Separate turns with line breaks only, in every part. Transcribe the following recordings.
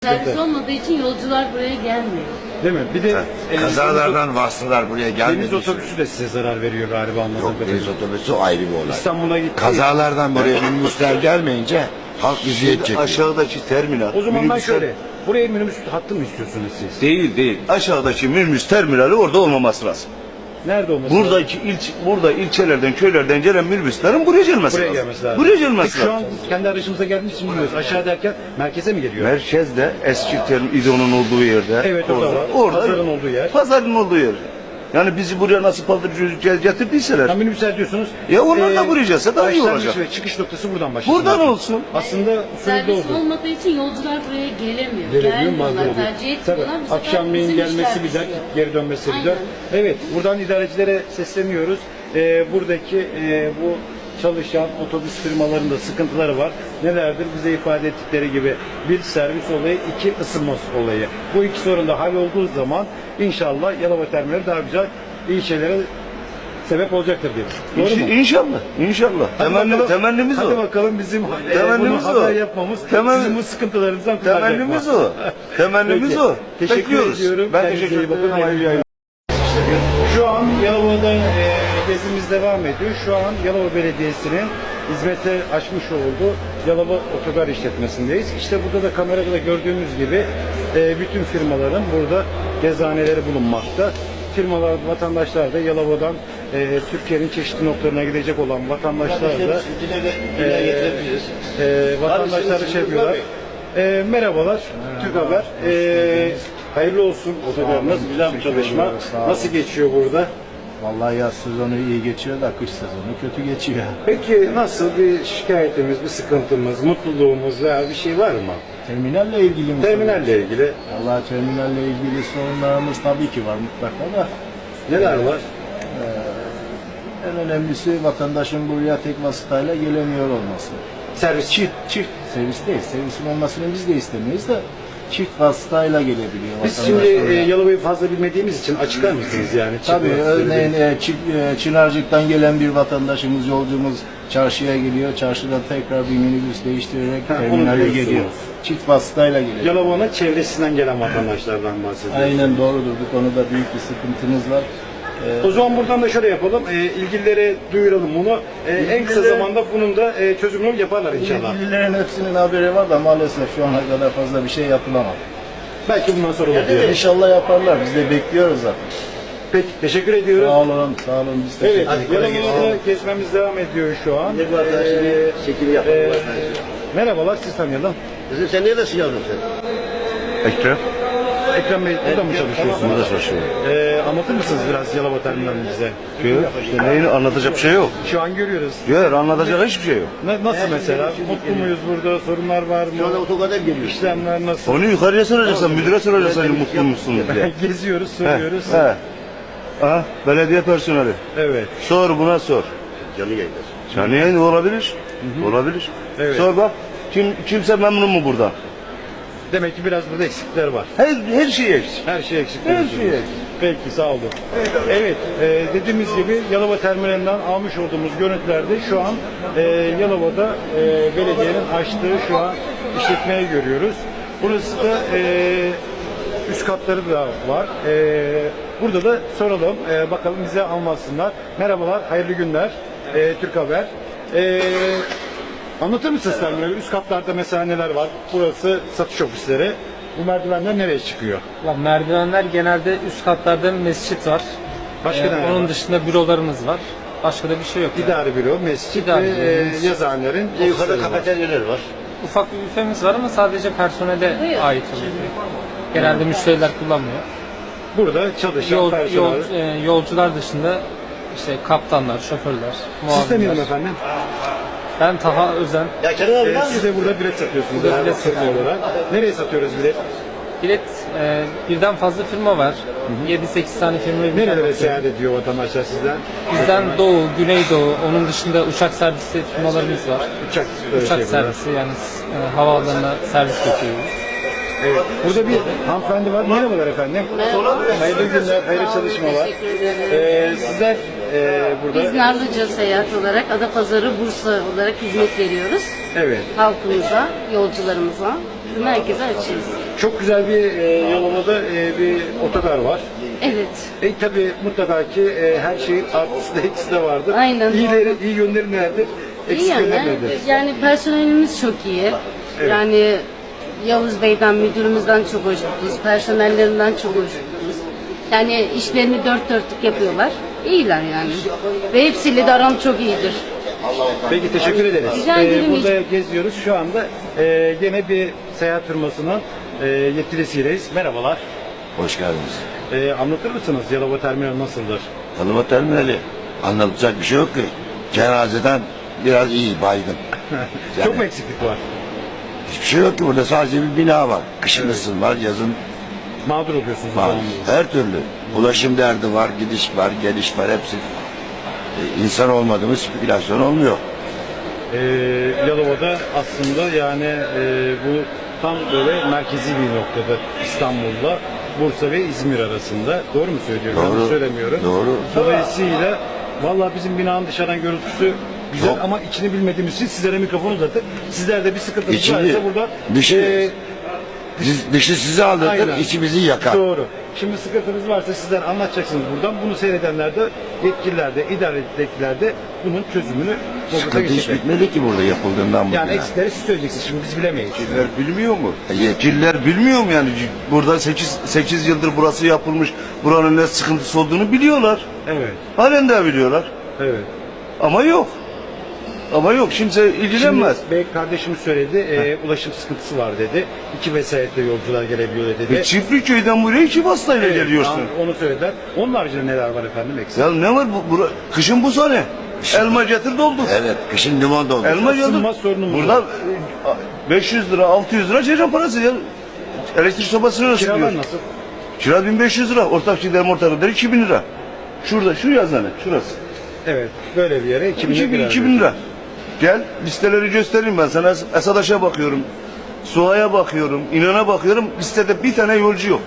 Servis olmadığı için yolcular buraya gelmiyor.
Değil mi? Bir de
Kazalardan vasıtalar buraya gelmedi.
deniz otobüsü de size zarar veriyor galiba anladığım
Yok,
kadarıyla.
deniz otobüsü ayrı bir olay.
İstanbul'a gitti.
Kazalardan buraya minibüsler gelmeyince halk eziyet çekiyor.
Aşağıdaki terminal.
O zaman ben
minibüsler-
şöyle, buraya minibüs hattı mı istiyorsunuz siz?
Değil. Aşağıdaki minibüs terminali orada olmaması lazım.
Nerede olması lazım?
Burada ilçelerden, köylerden gelen minibüslerin buraya gelmesi
Buraya
lazım.
gelmesi lazım.
Buraya gelmesi
Peki şu an
lazım.
kendi aracımıza geldiğimiz için bilmiyoruz. Aşağı derken merkeze mi geliyor?
Merkezde eski İdo'nun olduğu yerde.
Evet, orada var. Pazarın olduğu yer.
Pazarın olduğu yer. Yani bizi buraya nasıl paldırıcı getirdiyseler.
Ya minibüsler diyorsunuz.
Ya onlar da buraya gelse daha iyi
başlangıç
olacak.
ve çıkış noktası buradan başlasın.
Buradan olsun.
Aslında şöyle
Servis
oldu.
olmadığı için yolcular buraya gelemiyor.
Gelemiyor,
Gelmiyorlar,
mağdur oluyor.
tercih etmiyorlar.
Tabii,
Bu sefer
akşamleyin
bizim
gelmesi
işler
bir dert,
düşüyor.
geri dönmesi bir dert.
Aynen.
Evet, buradan idarecilere sesleniyoruz. Buradaki bu çalışan otobüs firmalarında sıkıntıları var. Nelerdir? Bize ifade ettikleri gibi bir servis olayı, iki ısınma olayı. Bu iki sorun da hallolduğu zaman inşallah Yalova terminali daha güzel, iyi şeylere sebep olacaktır diye. Doğru mu?
İnşallah.
Hadi bakalım.
Temennimiz
Hadi
o.
bakalım bizim
Temennimiz
bunu haber
o.
yapmamız sizin
Temennimiz-
bu sıkıntılarınızdan kurtaracak mı?
Temennimiz o. Temennimiz
Peki.
o.
Teşekkür
Bekliyoruz.
ediyorum.
Ben
Kendinize
teşekkür
iyi bakın.
ederim.
Hayırlı yayınlar. Şu an Yalova'da gezimiz devam ediyor. Şu an Yalova Belediyesi'nin hizmete açmış olduğu Yalova Otogar işletmesindeyiz. İşte burada da kamerada da gördüğümüz gibi bütün firmaların burada gezaneleri bulunmakta. Firmalar, vatandaşlar da Yalova'dan Türkiye'nin çeşitli noktalarına gidecek olan vatandaşlar da vatandaşları şey yapıyorlar. Merhabalar, Türk Haber. Hayırlı olsun otogarınız, güzel bir çalışma. Nasıl geçiyor burada?
Vallahi yaz sezonu iyi geçiyor da kış sezonu kötü geçiyor.
Peki nasıl bir şikayetimiz, bir sıkıntımız, mutluluğumuz veya bir şey var mı?
Terminalle ilgili mi?
Terminalle ilgili
Vallahi terminalle ilgili sorunlarımız tabii ki var mutlaka da.
neler var?
En önemlisi vatandaşın buraya tek vasıtayla gelemiyor olması.
Servis.
Çift servis değil. Servisin olmasını biz de istemeyiz de çift vasıtayla gelebiliyor
Biz
vatandaş
şimdi
buraya.
Yalova'yı fazla bilmediğimiz için açıklar mısınız yani?
Tabii
Çıkmaz.
örneğin Çınarcık'tan gelen bir vatandaşımız, yolcumuz çarşıya geliyor. Çarşıdan tekrar bir minibüs değiştirerek
onu
terminale
diyorsunuz.
geliyor. Çift vasıtayla geliyor.
Yalova'nın çevresinden gelen vatandaşlardan bahsediyoruz.
Aynen doğrudur. Bu konuda büyük bir sıkıntımız var.
O zaman buradan da şöyle yapalım. İlgililere duyuralım bunu. En kısa zamanda bunun da çözümünü yaparlar inşallah.
İlgililerin hepsinin haberi var da maalesef şu ana kadar fazla bir şey yapılamadı.
Belki bundan sonra olur diyelim.
İnşallah yaparlar. Biz de bekliyoruz zaten.
Peki, teşekkür ediyoruz.
Sağ olun, sağ olun. Biz
Evet,
teşekkür ederiz.
Yalova'da gezmemiz devam ediyor şu an. Merhabalar, siz tanıyalım.
Sen neredesin yavrum sen?
Ekrem.
Ekrem Bey, burada mı çalışıyorsunuz?
Burada çalışıyorum.
Anlatır mısınız biraz Yalova terminalini bize?
İşte neyini anlatacak bir şey yok.
Şu an görüyoruz.
Yok, anlatacak hiçbir şey yok.
Nasıl mesela? Mutlu muyuz burada? Sorunlar var
Şu anda
mı?
otogardan geliyor.
İşlemler nasıl?
Onu yukarıya soracaksan, müdüre soracaksan mutlu musun diye.
Geziyoruz, soruyoruz.
Ha, belediye personeli.
Evet.
Sor buna sor.
Canı yayınlar.
Canlı yayın olabilir. Olabilir.
Evet.
Sor bak. Kimse memnun mu burada?
Demek ki biraz burada eksikler var.
Her şey eksik.
Her şey eksik.
Her
diyorsunuz.
şey eksik.
Peki, sağ olun. Evet, dediğimiz gibi Yalova terminalinden almış olduğumuz görüntülerde şu an Yalova'da belediyenin açtığı şu an işletmeyi görüyoruz. Burası da üst katları da var. Burada da soralım, bakalım bize anlatsınlar. Merhabalar, hayırlı günler. Türk Haber. Anlatır mısınız terminali? Üst katlarda mesela neler var? Burası satış ofisleri. Bu merdivenler nereye çıkıyor?
Merdivenler genelde üst katlarda mescit var.
Başka ne var?
Onun dışında bürolarımız var. Başka da bir şey yok. Yani.
İdari büro, mescit
İdari
ve
büro, mescit.
yazıhanelerin
Bir de yukarıda
ofisleri var.
kafeteryalar var.
Ufak bir büfemiz var ama sadece personele ait oluyor. Genelde müşteriler kullanmıyor.
Burada çalışan personel.
Yolcular dışında işte kaptanlar, şoförler,
Siz tanıyalım
muavinler.
efendim.
Ben Taha Özen.
Ya Kenan abi var mı?
Siz de burada bilet satıyorsunuz.
Burada bilet
Bilet
satıyorum.
olarak. Nereye satıyoruz bilet?
Bilet birden fazla firma var. 7-8 tane firma birden
Nerelere
bakıyor.
seyahat ediyor vatandaşlar sizden?
Bizden Doğu, Güneydoğu, onun dışında uçak servisi firmalarımız var.
Uçak,
Uçak servisi yani havaalanına servis götürüyoruz.
Evet. Burada bir hanımefendi var. Merhabalar efendim. Hayırlı günler, hayırlı çalışmalar.
Teşekkür ederim.
Sizler burada...
Biz Narlıca Seyahat olarak Adapazarı, Bursa olarak hizmet veriyoruz.
Evet.
Halkımıza, yolcularımıza. Bizim herkese açığız.
Çok güzel bir Yalova'da bir otogar var.
Evet.
Tabii mutlaka ki her şeyin artısı da eksi de vardır.
Aynen.
İyi yönleri nelerdir?
İyi
Eksik
yani.
yönleri nedir?
Yani personelimiz çok iyi. Yani Yavuz Bey'den, müdürümüzden çok hoşnutuz. Personellerinden çok hoşnutuz. Yani işlerini dört dörtlük yapıyorlar. İyiler yani. Ve hepsiyle de aram çok iyidir.
Peki teşekkür ederiz.
Rica ederim.
Burada geziyoruz. Şu anda yine bir seyahat firmasının yetkilisiyiz. Merhabalar.
Hoş geldiniz.
Anlatır mısınız Yalova Terminal nasıldır?
Yalova terminali. Anlatacak bir şey yok ki. Cenazeden biraz iyi, baygın. Yani
Çok mu eksiklik var?
hiçbir şey yok ki burada, sadece bir bina var. Kışın ısın var, yazın
Mağdur oluyorsunuz. o
var.
zaman.
Her türlü. Ulaşım derdi var, gidiş var, geliş var, hepsi. İnsan olmadığımız spekülasyon olmuyor.
Yalova'da aslında yani bu tam böyle merkezi bir noktada, İstanbul'la Bursa ve İzmir arasında. Doğru mu söylüyorum?
Doğru.
Yanlış söylemiyorum.
Doğru.
Dolayısıyla vallahi bizim binanın dışarıdan görüntüsü güzel
Çok.
ama içini bilmediğimiz için sizlere mikrofonu uzatıp sizlerde bir sıkıntınız
İçini,
varsa burada
dışı sizi aldatır,
aynen.
içi bizi yakar.
Doğru. Şimdi sıkıntınız varsa sizler anlatacaksınız buradan. Bunu seyredenler de, yetkililer de, idaredekiler de bunun çözümünü
Sıkıntı hiç bitmedi ki burada yapıldığından bugüne.
yani eksikleri siz söyleyeceksiniz. Şimdi biz bilemeyiz.
Yetkililer bilmiyor mu? Yetkililer bilmiyor mu yani? Burada 8 yıldır burası yapılmış. Buranın ne sıkıntısı olduğunu biliyorlar.
Evet.
Halen de biliyorlar.
Evet.
Ama yok. Ama yok. Kimse ilgilenmez.
Şimdi bey kardeşim söyledi, ulaşım sıkıntısı var dedi. 2 vesayetle yolcular gelebiliyor dedi.
Çiftliköy'den buraya 2 vasıtayla
Evet,
geliyorsun.
onu söylediler. Onun haricinde neler var efendim eksik?
Ya ne var kışın bu sene. Elma getir doldur.
Evet, kışın limon doldu.
Elma getir.
Isınma sorunumuz
Burada
var.
500 lira 600 lira ceylan parası ya. Elektrik sobasını nasıl
Kiralar
diyor?
nasıl?
Kira 1500 lira. Ortak giderim ortak giderim 2000 lira. Şurada şu yazanı şurası.
Evet, böyle bir yere
2000 lira. Gel listeleri göstereyim ben sana. Esadaş'a bakıyorum. Suha'ya bakıyorum. İnan'a bakıyorum. Listede bir tane yolcu yok.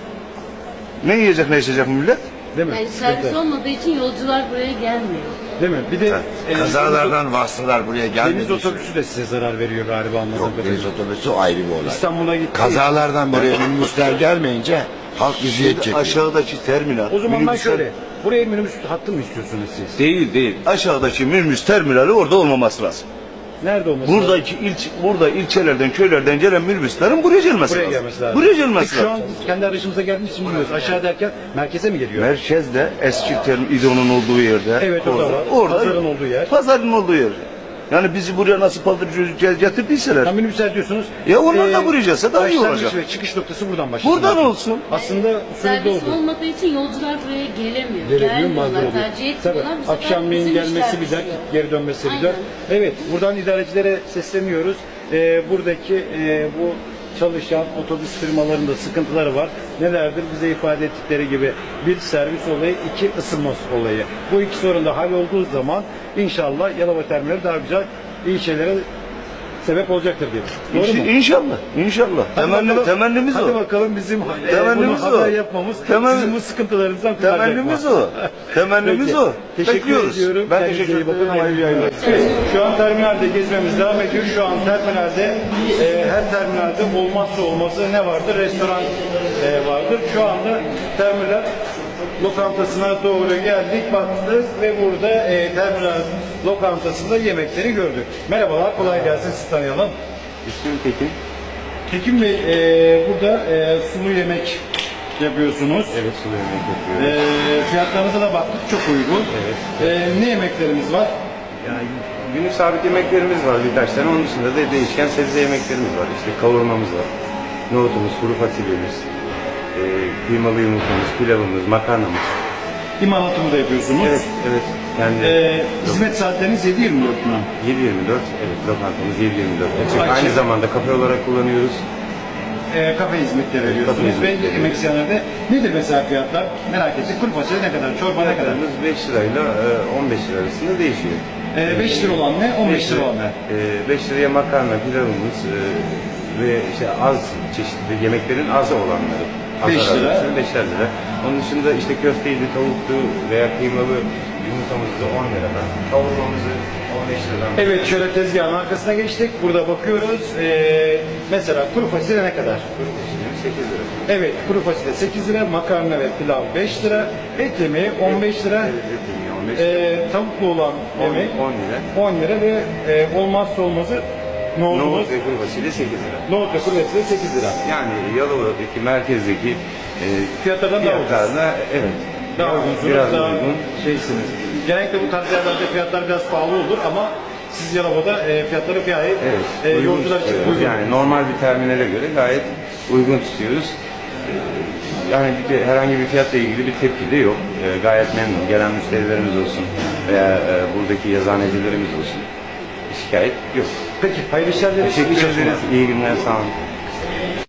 Ne yiyecek ne içecek millet?
Değil mi?
Yani servis
Sıkıntı.
olmadığı için yolcular buraya gelmiyor.
Değil mi? Bir de
Kazalardan vasıtalar buraya
deniz
gelmedi.
otobüsü de size zarar veriyor galiba anladığım
Yok,
kadarıyla.
deniz otobüsü ayrı bir olay.
İstanbul'a gitti.
Kazalardan buraya minibüsler gelmeyince halk eziyet çekiyor.
Aşağıdaki terminal.
O zaman ben
minibüsler-
şöyle, buraya minibüs hattı mı istiyorsunuz siz?
Değil. Aşağıdaki minibüs terminali orada olmaması lazım.
Nerede olması lazım?
Burada ilçelerden, köylerden gelen minibüslerin buraya gelmesi
Buraya
lazım.
gelmesi lazım.
Buraya gelmesi
Peki şu an
lazım.
biz kendi aracımıza geldiğimiz için bilmiyoruz. Aşağı derken merkeze mi geliyor?
Merkezde eski İdo'nun olduğu yerde.
Evet, orada var. Pazarın olduğu yer.
Pazarın olduğu yer. Yani bizi buraya nasıl paldırıcı getirdiyseler.
Tam minibüsler diyorsunuz.
Ya onlar da buraya gelse daha iyi
başlangıç
olacak.
ve çıkış noktası buradan başlıyor.
Buradan olsun.
Aslında usulü
Servis
doğru.
olmadığı için yolcular buraya gelemiyor.
Gelemiyor, mağdur
Gelmiyorlar,
oluyor.
tercih
Tabii,
etmiyorlar. Bu sefer
akşamleyin
bizim
gelmesi
işler
bir dert,
düşüyor.
geri dönmesi bir dert.
Aynen.
Evet, buradan idarecilere sesleniyoruz. Buradaki bu çalışan otobüs firmalarında sıkıntıları var. Nelerdir? Bize ifade ettikleri gibi bir servis olayı, iki ısınma olayı. Bu iki sorun da hallolduğu zaman inşallah Yalova Terminali daha güzel, iyi şeylere sebep olacaktır diye. Doğru mu?
İnşallah.
Hadi bakalım.
Temennimiz
Hadi
o.
bakalım bizim
Temennimiz
bunu haber
o.
yapmamız
Temenni-
bizim bu sıkıntılarımızdan kurtaracak
Temennimiz
mı?
o. Temennimiz
Peki.
o.
Teşekkür
Bekliyoruz.
ediyorum.
Ben
Kendinize
teşekkür
iyi bakın.
ederim.
Hayırlı yayınlar. Evet, şu an terminalde gezmemiz devam ediyor. Şu an terminalde her terminalde olmazsa olmazı ne vardır? Restoran vardır. Şu anda terminal lokantasına doğru geldik, baktık ve burada terminal lokantasında yemekleri gördük. Merhabalar, kolay gelsin, sizi tanıyalım.
İsmim Tekin.
Tekin Bey, burada sulu yemek yapıyorsunuz.
Evet, sulu yemek yapıyorum.
Fiyatlarınıza da baktık, çok uygun.
Evet.
Ne yemeklerimiz var?
Yani günlük sabit yemeklerimiz var birkaç tane. Onun dışında da değişken sebze yemeklerimiz var. İşte kavurmamız var. Nohutumuz, kuru fasulyemiz, kıymalı yumurtamız, pilavımız, makarnamız.
İmalatımı da yapıyorsunuz.
Evet. Yani
Hizmet saatleriniz 7-24 mü?
7/24. Evet, lokantamız 7/24. Açık.
Açık.
Aynı zamanda kafe olarak kullanıyoruz.
Kafe hizmetleri veriyorsunuz
Kafe
ve
hizmetleri.
yemek ziyanlarda nedir mesela fiyatlar? Merak ettik. Kuru fasulye ne kadar? Çorba ne kadar?
Fiyatlarımız 5 lirayla 15 lira arasında değişiyor.
5 lira olan ne? 15 lira olan ne?
5 liraya makarna, pilavımız ve işte az çeşitli yemeklerin az olanları.
5 lira.
5'er lira. Onun dışında işte köfteydi, tavuktu veya kıymalı yumurtamız da 10 liradan. Kavurmamızı 15 liradan.
Evet, şöyle tezgahın arkasına geçtik. Burada bakıyoruz. Mesela kuru fasulye ne kadar?
Kuru fasulyemiz lira.
Evet, kuru fasulye 8 lira, makarna ve pilav 5 lira, et yemeği 15 lira,
Evet, et yemeği 15 lira.
tavuklu olan yemek
10 lira.
10 lira ve olmazsa olmazı nohutumuz,
Nohut ve kuru fasulye 8 lira.
nohut ve kuru fasulye 8 lira.
Yani Yalova'daki merkezdeki
Fiyatlardan daha ucuz.
fiyatlarla evet.
Daha uygunsunuz,
biraz
daha
uygun.
şeysiniz. Genellikle bu tarz yerlerde fiyatlar biraz pahalı olur ama siz Yalova'da fiyatları gayet
Evet, uygun
yolcular için
tutuyoruz.
uygun.
Yani normal bir terminale göre gayet uygun tutuyoruz. Yani herhangi bir fiyatla ilgili bir tepki de yok. Gayet memnun. Gelen müşterilerimiz olsun veya buradaki yazanecilerimiz olsun. Şikayet yok.
Peki, hayırlı işler dileriz.
Teşekkür
İyi çalışmalar.
ederiz. İyi günler. Sağ olun.